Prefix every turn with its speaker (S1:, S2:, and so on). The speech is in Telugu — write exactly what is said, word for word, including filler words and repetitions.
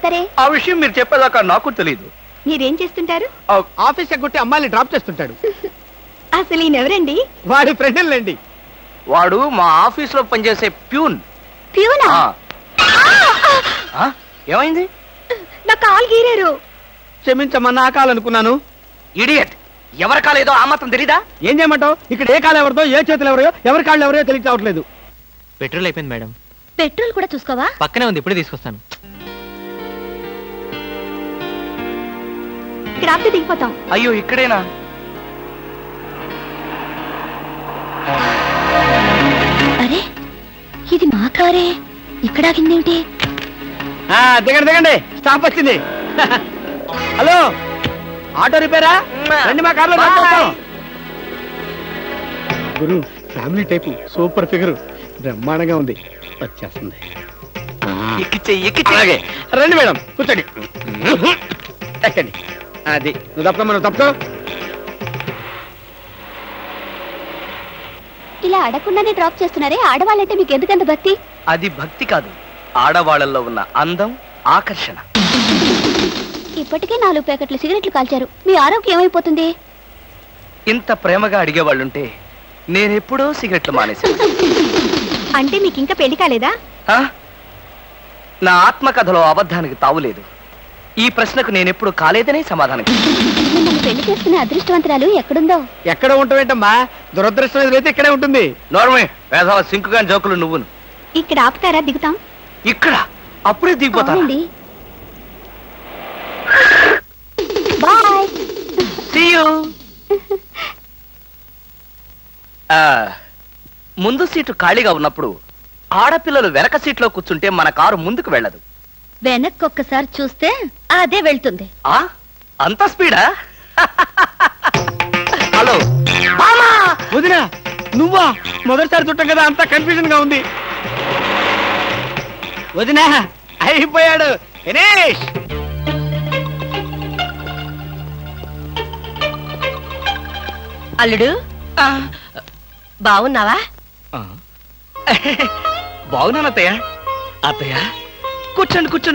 S1: చేస్తారే?
S2: ఆ విషయం మీరు చెప్పేదాకా నాకు తెలియదు.
S1: మీరేం చేస్తుంటారు?
S3: ఆఫీస్ ఎగ్గొట్టి అమ్మాయిని డ్రాప్ చేస్తుంటాడు.
S1: అసలు ఈయనెవరండి?
S3: వాడి ఫ్రెండ్లండి.
S2: వాడు మా ఆఫీస్ లో పనిచేసే ప్యూన్.
S1: ప్యూనా?
S2: ఆ. ఆ? ఏమైంది?
S1: నా కాలు గీరారు.
S3: క్షమించమ్మా, నా కాలనుకున్నాను.
S2: ఇడియట్, ఎవరి కాలేదో ఆ మాత్రం తెలీదా?
S3: ఏం చేయమంటావు? ఇక్కడ ఏ కాలు ఎవరిదో, ఏ చేతులు ఎవరో, ఎవరి కాళ్ళు ఎవరో తెలియక రావట్లేదు.
S4: పెట్రోల్ అయిపోయింది మేడం.
S1: పెట్రోల్ కూడా చూసుకోవా?
S4: పక్కనే ఉంది, ఇప్పుడే తీసుకొస్తాను.
S1: ఇక్కడ ఆపితే దిగిపోతాం.
S2: అయ్యో, ఇక్కడేనా?
S1: అరే, ఇది మా కారే. ఇక్కడ ఆగిందేమిటి?
S3: ఆ, దిగండి దిగండి, స్టాప్ వచ్చింది. హలో, ఆటో రిపేరా? రండి మా కార్లో డ్రాప్ చేస్తాం. గురు, ఫ్యామిలీ టైపు, సూపర్ ఫిగర్, బ్రహ్మాండంగా ఉంది. వచ్చేస్తుంది.
S2: ఎక్కిచ్చే ఎక్కిచ్చే
S3: అలాగే రండి మేడం, కూర్చోండి. ఎక్కండి. అది నువ్వు తప్ప మనం తప్పుకో.
S1: ఇలా అడగకుండానే డ్రాప్ చేస్తున్నారే, ఆడవాళ్ళంటే మీకు ఎందుకంత భక్తి?
S2: అది భక్తి కాదు, ఆడవాళ్ళల్లో ఉన్న అందం, ఆకర్షణ.
S1: ఇప్పటికే నాలుగు ప్యాకెట్లు సిగరెట్లు కాల్చారు. మీ ఆరోగ్యం ఏమైపోతుంది?
S2: ఇంత ప్రేమగా అడిగేవాళ్ళుంటే నేనెప్పుడో సిగరెట్లు మానేశాను.
S1: అంటే మీకు ఇంకా పెళ్లి కాలేదా?
S2: ఆ? నా ఆత్మకథలో అబద్ధానికి తావులేదు. ఈ ప్రశ్నకు నేనెప్పుడు కాలేదనే సమాధానం.
S1: మిమ్మల్ని పెళ్లి చేసుకునే అదృష్టవంతరాలు ఎక్కడుందో.
S3: ఎక్కడ ఉంటావేంటమ్మా? దురదృష్టం ఎదురైతే ఇక్కడే ఉంటుంది.
S2: నోర్మే, వేసవ సింకుగా జోకులు నువ్వును.
S1: ఇక్కడ ఆపుతారా? దిగుతాం.
S2: ఇక్కడ అప్పుడే దిగిపోతాను.
S1: అవునండి. బాయ్.
S2: See you. ఆ, ముందు సీటు ఖాళీగా ఉన్నప్పుడు ఆడపిల్లలు వెనక సీట్లో కూర్చుంటే మన కారు ముందుకు వెళ్ళదు.
S1: వెనక్కి ఒక్కసారి చూస్తే అదే వెళ్తుంది.
S2: ఆ అంత స్పీడా? హలో
S3: వదినా, నువ్వా? మొదటిసారి చుట్టం కదా, అంతా కన్ఫ్యూజన్ గా ఉంది. వదినా, అయిపోయాడు దినేష్.
S1: అల్లుడు, బాగున్నావా?
S2: బాగున్నాను అత్తయ్య. అత్తయ్య, కూర్చోండి కూర్చోండి.